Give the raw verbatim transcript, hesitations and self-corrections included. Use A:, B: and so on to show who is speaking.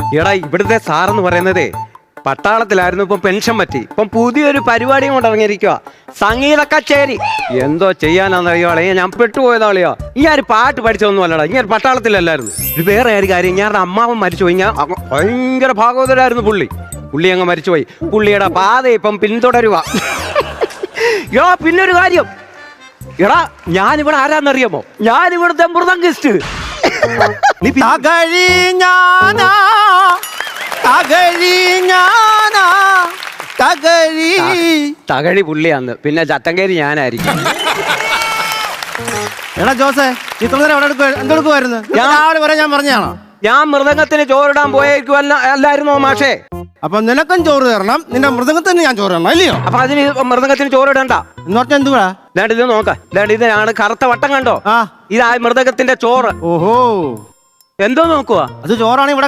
A: എടാ ഇവിടുത്തെ സാറെന്ന് പറയുന്നതേ പട്ടാളത്തിലായിരുന്നു, ഇപ്പം പെൻഷൻ പറ്റി, ഇപ്പം പുതിയൊരു പരിപാടിയും കൊണ്ട് ഇറങ്ങിയിരിക്കുക, സംഗീത കച്ചേരി. എന്തോ ചെയ്യാനാന്നറിയോളെ, ഞാൻ പെട്ടുപോയതാളിയോ. ഈ ഒരു പാട്ട് പഠിച്ചൊന്നും അല്ലടാ, ഇങ്ങനെ പട്ടാളത്തിലല്ലായിരുന്നു. ഇത് വേറെ ഒരു കാര്യം, ഞാനൊരു അമ്മാവൻ മരിച്ചുപോയി. ഞാൻ ഭയങ്കര ഭാഗവതരായിരുന്നു പുള്ളി. പുള്ളി അങ്ങ് മരിച്ചുപോയി. പുള്ളിയുടെ പാത ഇപ്പം പിന്തുടരുക. യോ പിന്നൊരു കാര്യം, എടാ ഞാനിവിടെ ആരാന്നറിയാമോ? ഞാനിവിടുത്തെ മൃദംഗിസ്റ്റ്.
B: തകഴി ഞാനാ തകഴി ഞാനാ തകഴി
A: തകഴി പുള്ളിയാന്ന്, പിന്നെ ചത്തങ്കേരി ഞാനായിരിക്കും.
B: എടാ ജോസേ, ഇത്ര നേരം എവിടെ എന്തെടുക്കുമായിരുന്നു? രാവിലെ വരെ ഞാൻ പറഞ്ഞാണോ?
A: ഞാൻ മൃദംഗത്തിന് ചോറിടാൻ പോയേക്കുവല്ല അല്ലായിരുന്നോ മാഷേ?
B: അപ്പൊ നിനക്കും ചോറ് തരണം, നിന്റെ മൃദംഗത്തിന് ഞാൻ ചോറ് തരണം, അല്ലയോ?
A: അപ്പൊ അതിന് മൃദംഗത്തിന് ചോറിടണ്ട
B: എന്ന് പറഞ്ഞാൽ എന്തുവാ?
A: ഇതാണ്ട് ഇത് നോക്ക, ഇതാണ്ട് ഇതിനാണ് കറുത്ത വട്ടം കണ്ടോ?
B: ആ
A: ഇതാ മൃദംഗത്തിന്റെ ചോറ്.
B: ഓഹോ,
A: എന്തോ നോക്കുവാ?
B: അത് ചോറാണ് ഇവിടെ